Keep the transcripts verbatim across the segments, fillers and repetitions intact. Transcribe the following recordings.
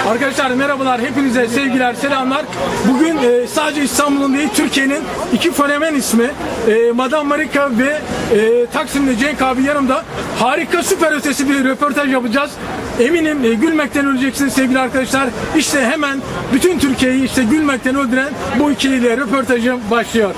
Arkadaşlar merhabalar, hepinize sevgiler, selamlar. Bugün e, sadece İstanbul'un değil, Türkiye'nin iki fenomen ismi e, Madame Marika ve e, Taksim'de Cenk abi yanımda. Harika, süper ötesi bir röportaj yapacağız. Eminim e, gülmekten öleceksiniz sevgili arkadaşlar. İşte hemen bütün Türkiye'yi işte gülmekten öldüren bu ikiliyle röportajım başlıyor.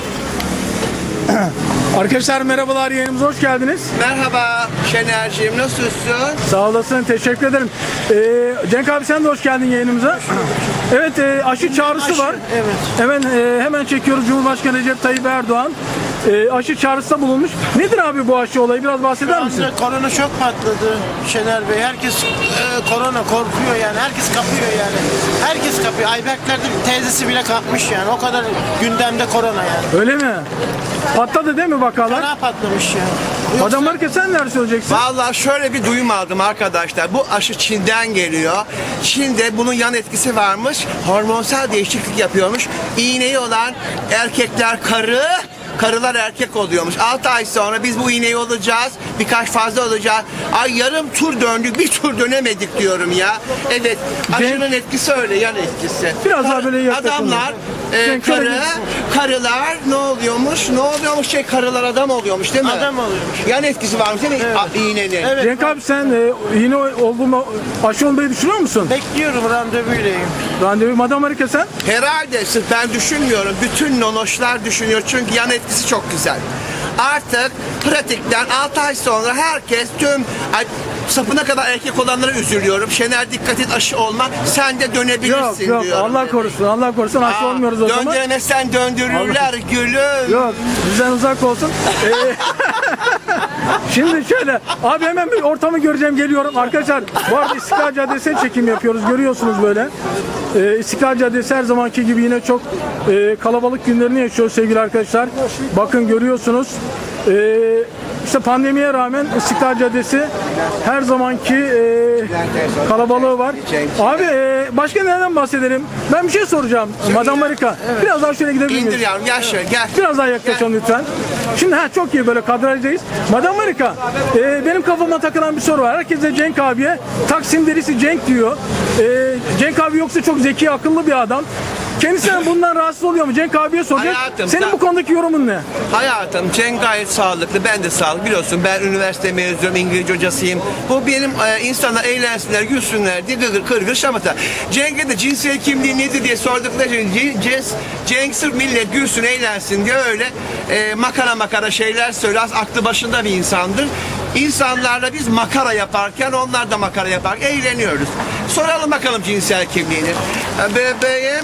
Arkadaşlar merhabalar, yayınımıza hoş geldiniz. Merhaba Şener'ciğim, nasılsın? Sağ olasın, teşekkür ederim. Ee, Cenk abi sen de hoş geldin yayınımıza. Evet, e, aşı çağrısı Aşı, var. evet. Hemen e, hemen çekiyoruz. Cumhurbaşkanı Recep Tayyip Erdoğan e, aşı çağrısında bulunmuş. Nedir abi bu aşı olayı? Biraz bahseder misin? Korona çok patladı Şener Bey. Herkes e, korona korkuyor yani. Herkes kapıyor yani. Herkes kapıyor. Ayberkler'de teyzesi bile kapmış yani. O kadar gündemde korona yani. Öyle mi? Patladı değil mi vakalar? Fena patlamış yani. Yoksa- Madame Marika sen neler söyleyeceksin? Vallahi şöyle bir duyum aldım arkadaşlar. Bu aşı Çin'den geliyor. Çin'de bunun yan etkisi varmış. Hormonsal değişiklik yapıyormuş. İğneyi olan erkekler karı, karılar erkek oluyormuş. altı ay sonra biz bu iğneyi olacağız. Birkaç fazla olacağız. Ay yarım tur döndük, bir tur dönemedik diyorum ya. Evet, aşının etkisi öyle, yan etkisi. Biraz daha böyle yaklaşalım. Adamlar, e, Cenk, şöyle karı, karılar ne oluyormuş? Ne oluyormuş? Şey, karılar adam oluyormuş değil mi? Adam oluyormuş. Yan etkisi varmış değil mi? A- İğnenin. Evet. Cenk abi sen e, yine olduğuma aşı olmayı düşünüyor musun? Bekliyorum, randevuylayım. Randevu. Madame Marika sen? Herhalde sırf ben düşünmüyorum. Bütün nonoşlar düşünüyor. Çünkü yan etkisi çok güzel. Artık pratikten altı ay sonra herkes tüm ay, sapına kadar erkek olanlara üzülüyorum. Şener dikkat et, aşı olma. Sen de dönebilirsin Yok yok, diyorum. Allah korusun, Allah korusun, aşı Aa, olmuyoruz o zaman. Döndüremezsen döndürürler gülüm. Yok, bizden uzak olsun. Ee, Şimdi şöyle, abi hemen bir ortamı göreceğim, geliyorum. Arkadaşlar, bu arada İstiklal Caddesi'ne çekim yapıyoruz, görüyorsunuz böyle. Ee, İstiklal Caddesi her zamanki gibi yine çok e, kalabalık günlerini yaşıyor sevgili arkadaşlar. Bakın görüyorsunuz. Ee, işte pandemiye rağmen İstiklal Caddesi her zamanki e, kalabalığı var. Abi e, başka neden bahsedelim? Ben bir şey soracağım Madame Marika. Biraz daha şöyle gidebilir miyiz? İndir yavrum, gel şöyle gel. Biraz daha yaklaşalım lütfen. Şimdi ha çok iyi, böyle kadrajdayız. Madame Marika, e, benim kafama takılan bir soru var. Herkes de Cenk abiye Taksim derisi Cenk diyor. E, Cenk abi yoksa çok zeki, akıllı bir adam. Kendisinden bundan rahatsız oluyor mu? Cenk abiye soracak. Hayatım, Senin sen- bu konudaki yorumun ne? Hayatım, Cenk gayet sağlıklı, ben de sağlıklı. Biliyorsun ben üniversite mezunuyum, İngilizce hocasıyım. Bu benim e, insanlar eğlensinler, gülsünler diye gırgır kırgır şamata. Cenk'e de cinsel kimliği nedir diye sordukları için Cenk, Cenk sırf millet gülsün, eğlensin diye öyle e, makara makara şeyler söylüyor. Az aklı başında bir insandır. İnsanlarla biz makara yaparken onlar da makara yapar, eğleniyoruz. Soralım bakalım cinsel kimliğini. E, Bebeğim,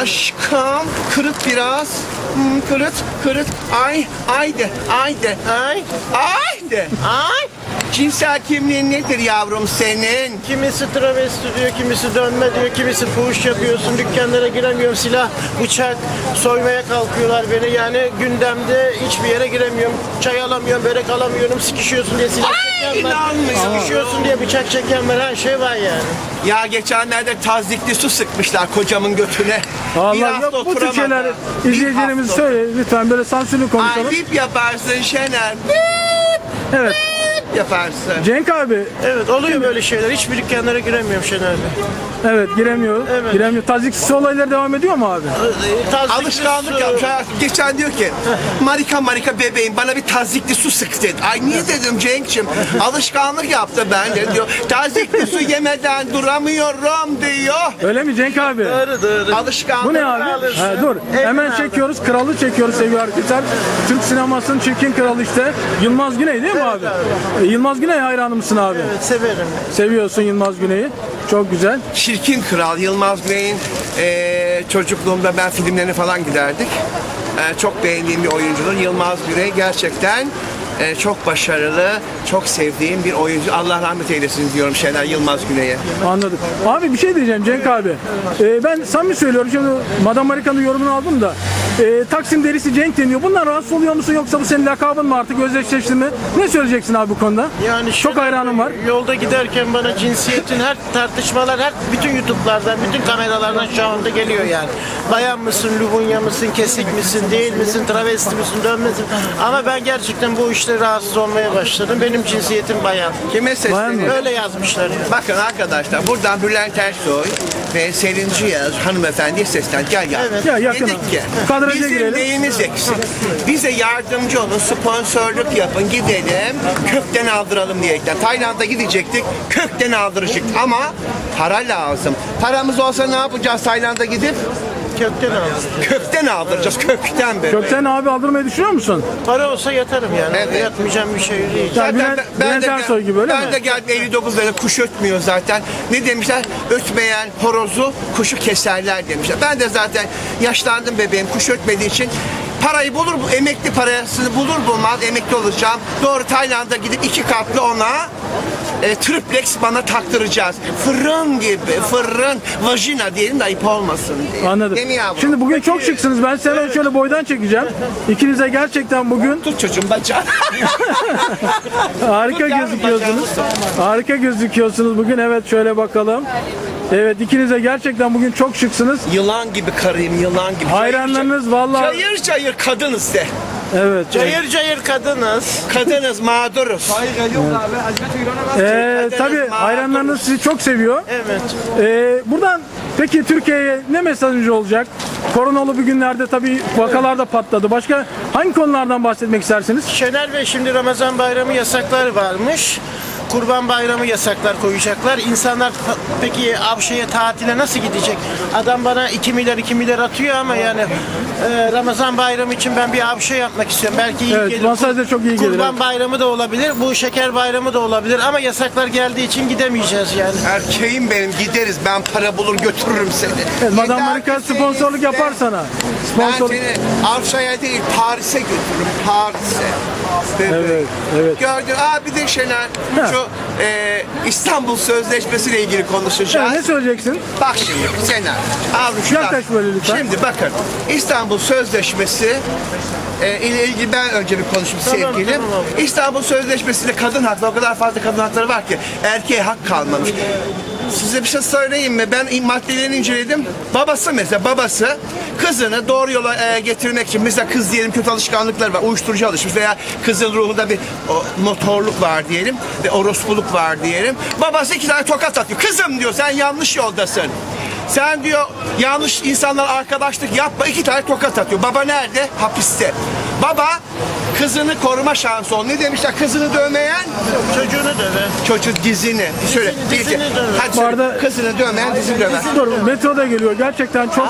aşkım, kırıt biraz. Hmm, kırıt, kırıt. Ay, ay de, ay de, ay, ay de. Ay! Cinsel kimliğin nedir yavrum senin? Kimisi travesti diyor, kimisi dönme diyor, kimisi fuhuş yapıyorsun, dükkanlara giremiyorum, silah, bıçak, soymaya kalkıyorlar beni. Yani gündemde hiçbir yere giremiyorum, çay alamıyorum, börek alamıyorum, sıkışıyorsun diye silah Ay, çeken var, inanmıyorum. sıkışıyorsun diye bıçak çeken var, her şey var yani. Ya geçenlerde tazikli su sıkmışlar kocamın götüne. Bir Allah hafta yok, bu tür oturamadı. şeyler Bir izleyicilerimiz hafta. söyle lütfen, böyle sansürlü konuşalım. Ay bip yaparsın Şener. Bip Evet. yaparsın. Cenk abi, Evet, oluyor böyle şeyler, hiçbir dükkanlara giremiyorum Şener Bey. evet giremiyor. Evet. Giremiyor. Taziksiz olaylar devam ediyor mu abi? Tazikli Alışkanlık su- yapmış. hayatım. Geçen diyor ki Marika Marika bebeğim bana bir tazikli su sık dedi. Ay niye dedim Cenk'cim? Alışkanlık yaptı ben de diyor. Tazikli su yemeden duramıyorum diyor. Öyle mi Cenk abi? Doğru doğru. Alışkanlık. Bu ne abi? alırsın. Ha, dur. Evden Hemen aldın. çekiyoruz. Kralı çekiyoruz sevgili arkadaşlar. Türk sinemasının çirkin kralı işte. Yılmaz Güney değil mi abi? E, Yılmaz Güney hayranı mısın abi? Evet, severim. Seviyorsun Yılmaz Güney'i. Çok güzel. Çirkin Kral Yılmaz Güney'in eee, çocukluğumda ben filmlerine falan giderdik. Eee, çok beğendiğim bir oyuncudur. Yılmaz Güney gerçekten eee, çok başarılı, çok sevdiğim bir oyuncu. Allah rahmet eylesin diyorum Şener Yılmaz Güney'e. Anladım. Abi bir şey diyeceğim Cenk abi. Ee, ben samimi söylüyorum. Şimdi Madame Marika'nın yorumunu aldım da. E, Taksim derisi Cenk deniyor. Bundan rahatsız oluyor musun, yoksa bu senin lakabın mı artık, özdeşleşti mi? Ne söyleyeceksin abi bu konuda? Yani çok şöyle, hayranım var. Yolda giderken bana cinsiyetin her tartışmalar, her bütün YouTube'lardan, bütün kameralardan şu anda geliyor yani. Bayan mısın, lubunya mısın, kesik misin, değil misin, travesti misin, dönmesin. Ama ben gerçekten bu işler işte rahatsız olmaya başladım. Benim cinsiyetim bayan. Kime sesleniyorum? Öyle yazmışlar yani. Bakın arkadaşlar buradan Bülent Ersoy ve Selin Ciyaz hanımefendiye seslen. Gel gel. Evet. Ya yakın Dedik abi. ki Kadraja bizim girelim. neyimiz eksik? Bize yardımcı olun, sponsorluk yapın, gidelim, kökten aldıralım diyerekten. Tayland'a gidecektik, kökten aldıracaktık ama para lazım. Paramız olsa ne yapacağız Tayland'a gidip? Kökten aldım. Kökten aldıracağız, kökten böyle. Gökten abi aldırmayı düşünüyor musun? Para olsa yatarım yani. Evet. Yatmayacağım bir şey değil. Ya Bülent, Bülent de, Ersoy gibi öyle ben mi? de geldim elli dokuz lira kuş ötmüyor zaten. Ne demişler? Ötmeyen horozu kuşu keserler demişler. Ben de zaten yaşlandım bebeğim kuş ötmediği için parayı bulur, emekli parasını bulur bulmaz emekli olacağım. Doğru Tayland'a gidip iki katlı ona e, triplex bana taktıracağız. Fırın gibi, fırın, vajina diyelim de ayıp olmasın diye. Anladım. Değil mi yavrum? Şimdi bugün çok şıksınız. Ben size şöyle boydan çekeceğim. İkinize gerçekten bugün Tut çocuğum bacağı. harika Tut yavrum, gözüküyorsunuz. bacağını Harika gözüküyorsunuz bugün. Evet şöyle bakalım. Evet ikinize gerçekten bugün çok şıksınız. Yılan gibi karıyım, yılan gibi. Hayranlarınız vallahi. Cayır cayır kadınız de. Evet. Cayır cayır kadınız. Kadınız, mağduruz. Ee, tabii hayranlarınız sizi çok seviyor. Evet. Ee, buradan peki Türkiye'ye ne mesajı olacak? Koronalı bir günlerde tabii vakalar da patladı. Başka hangi konulardan bahsetmek istersiniz? Şener Bey şimdi Ramazan bayramı yasaklar varmış. Kurban bayramı yasaklar koyacaklar. İnsanlar ta- peki Avşe'ye tatile nasıl gidecek? Adam bana iki milyar iki milyar atıyor ama yani e, Ramazan bayramı için ben bir Avşe yapmak istiyorum. Belki iyi Evet, gelir. masaj da çok iyi gelir, Kurban evet. bayramı da olabilir. Bu şeker bayramı da olabilir ama yasaklar geldiği için gidemeyeceğiz yani. Erkeğim benim gideriz ben para bulur götürürüm seni. Evet, Madame Yeter Marika ki sponsorluk seni yapar iste. sana. Ben Sponsor. seni Avşa'ya değil Paris'e götürürüm Paris'e. Evet, evet. Gördün. Aa bir de Şener Ha. şu e, İstanbul Sözleşmesi ile ilgili konuşacağız. Evet, ne söyleyeceksin? Bak şimdi Şener. Al şu Yaklaş böyle lütfen. Şimdi bakın İstanbul Sözleşmesi e, ile ilgili ben önce bir konuşayım Tamam, sevgilim. tamam abi. İstanbul Sözleşmesi'nde kadın hakları o kadar fazla kadın hakları var ki erkeğe hak kalmamış. Size bir şey söyleyeyim mi? Ben maddelerini inceledim. Babası mesela babası kızını doğru yola e, getirmek için mesela kız diyelim kötü alışkanlıkları var. Uyuşturucu alışmış veya kızın ruhunda bir o, motorluk var diyelim ve orospuluk var diyelim. Babası iki tane tokat atıyor. Kızım diyor sen yanlış yoldasın. Sen diyor yanlış insanlar arkadaşlık yapma iki tane tokat atıyor. Baba nerede? Hapiste. Baba kızını koruma şansı ol. Ne demişler? Kızını dövmeyen Çocuğunu döve. çocuk dizini. Söyle. Dizini, Bir iki. dizini döver. Hadi Bu söyle. arada- Kızını dövmeyen dizini döver. Dur, metro da geliyor. Gerçekten çok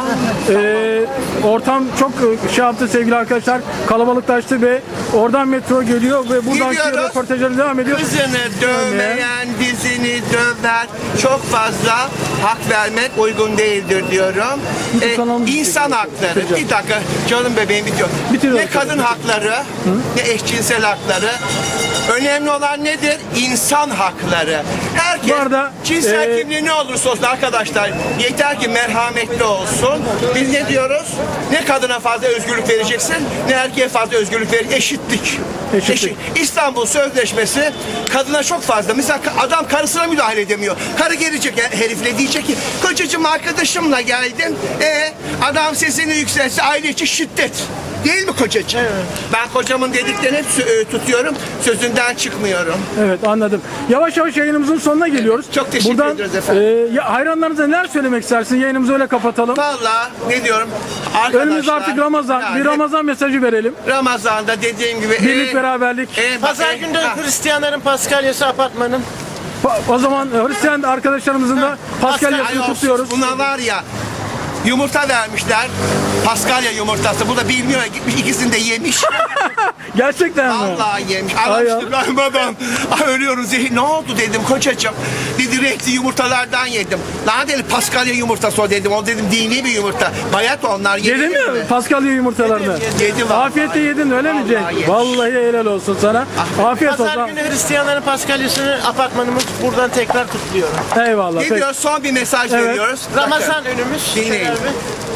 e, ortam çok e, şey yaptı sevgili arkadaşlar. Kalabalıklaştı ve oradan metro geliyor ve buradan Gidiyoruz. röportajları devam ediyor. Kızını dövmeyen dizini döver. Çok fazla hak vermek uygun değildir diyorum. YouTube Ee, kanalımızı insan hakları. bitireceğim. Bir dakika canım bebeğim bitiyor. Bitiriyor Ne arkadaşlar. kadın hakları ne eşcinsel hakları. Önemli olan nedir? İnsan hakları. Herkes Bu arada, cinsel e, kimliği ne olursa olsun arkadaşlar yeter ki merhametli olsun. Biz ne diyoruz? Ne kadına fazla özgürlük vereceksin ne erkeğe fazla özgürlük ver. Eşitlik. Eşitlik. Eşit. İstanbul Sözleşmesi kadına çok fazla. Mesela adam karısına müdahale edemiyor. Karı gelecek herifle diyecek ki kocacığım arkadaşımla geldim. E adam sesini yükseltse aile içi şiddet. Değil mi kocacığım? Evet. Ben kocamın dediklerini hep sö- e, tutuyorum. Sözünden çıkmıyorum. Evet anladım. Yavaş yavaş yayınımızın sonuna geliyoruz. Çok teşekkür Buradan, ediyoruz efendim. e, ya, hayranlarınıza neler söylemek istersin? Yayınımızı öyle kapatalım. Vallahi ne diyorum? Arkadaşlar. Önümüz artık Ramazan. yani Bir Ramazan mesajı verelim. Ramazan'da dediğim gibi. Birlik e, beraberlik. e, bak, Pazar e, günde ha. Hristiyanların Paskalyası apartmanın. Pa- O zaman e, Hristiyan arkadaşlarımızın da Paskalya'sını Ay olsun, kutluyoruz. Buna var ya yumurta vermişler. Paskalya yumurtası. Bu da bilmiyor. Gitmiş ikisini de yemiş. Gerçekten mi? Vallahi yemiş. Ay Aramıştım İbrahim adam. Ay ölüyorum zehir. Ne oldu dedim kocacığım. Dedi renkli yumurtalardan yedim. Lan dedi Paskalya yumurtası o dedim. O dedim dini bir yumurta. Bayat onlar. Yedin yenir mi Paskalya yumurtalarını? Yedim, yedim. Yedim vallahi. Afiyetle yedin öyle mi Cenk? Vallahi yemiş. Vallahi helal olsun sana. Afiyet Pazar olsun. günü Hristiyanların Paskalyası'nı apartmanımız buradan tekrar kutluyorum. Eyvallah. Ne Peki. diyoruz? Son bir mesaj Evet. veriyoruz. Ramazan Bakın, önümüz. Dinleyin. Şener Bey.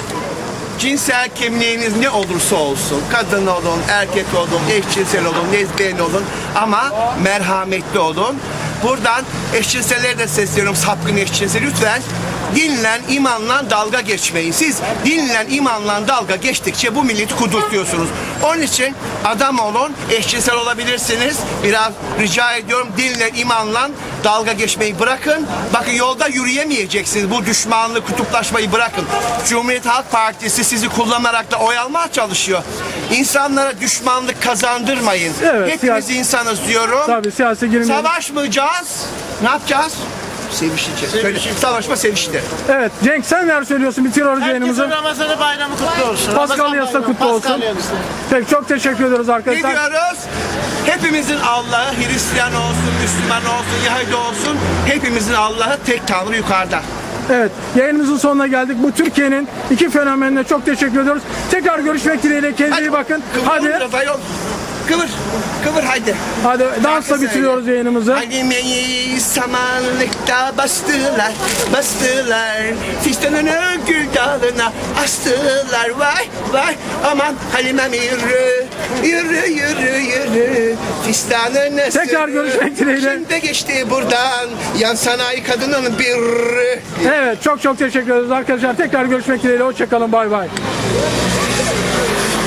cinsel kimliğiniz ne olursa olsun, kadın olun, erkek olun, eşcinsel olun, lezbiyen olun ama merhametli olun. Buradan eşcinsellere de sesleniyorum, sapkın eşcinsel lütfen dinle, imanla dalga geçmeyin. Siz dinle, imanla dalga geçtikçe bu milleti kudurtuyorsunuz. Onun için adam olun, eşcinsel olabilirsiniz. Biraz rica ediyorum, dinle, imanla dalga geçmeyi bırakın. Bakın yolda yürüyemeyeceksiniz. Bu düşmanlığı, kutuplaşmayı bırakın. Cumhuriyet Halk Partisi sizi kullanarak da oy almaya çalışıyor. İnsanlara düşmanlık kazandırmayın. Evet, Hepimiz siyasi- insanız diyorum. Tabii siyasi girmeyelim. Savaşmayacağız. Ne yapacağız? Sevişeceğiz. Söyle, savaşma sevişti. Evet Cenk sen neler söylüyorsun? Bitiriyoruz yayınımızı. Herkesin Ramazan'ı bayramı kutlu olsun. Paskalya'sı da Ramazan kutlu bayramı, olsun. Paskalya'sı. Peki çok teşekkür ediyoruz Ne arkadaşlar. diyoruz? Hepimizin Allah'ı, Hristiyan olsun, Müslüman olsun, Yahudi olsun, hepimizin Allah'ı tek Tanrı yukarıda. Evet, yayınımızın sonuna geldik. Bu Türkiye'nin iki fenomenine çok teşekkür ediyoruz. Tekrar görüşmek dileğiyle. Kendinize iyi bakın. Kıvır Hadi, biraz ayol. Kıvır, kıvır haydi. hadi dansla Şarkı bitiriyoruz söyle. yayınımızı. Halime'yi samanlıkta bastılar, bastılar. Fistanını gül dalına astılar. Vay vay aman Halime'm yürü, yürü yürü yürü. Fistanını Tekrar görüşmek dileğiyle. Şimdi geçti buradan yan sanayi kadının bir. Evet, çok çok teşekkür ederiz arkadaşlar. Tekrar görüşmek dileğiyle. Hoşçakalın. Bay bay.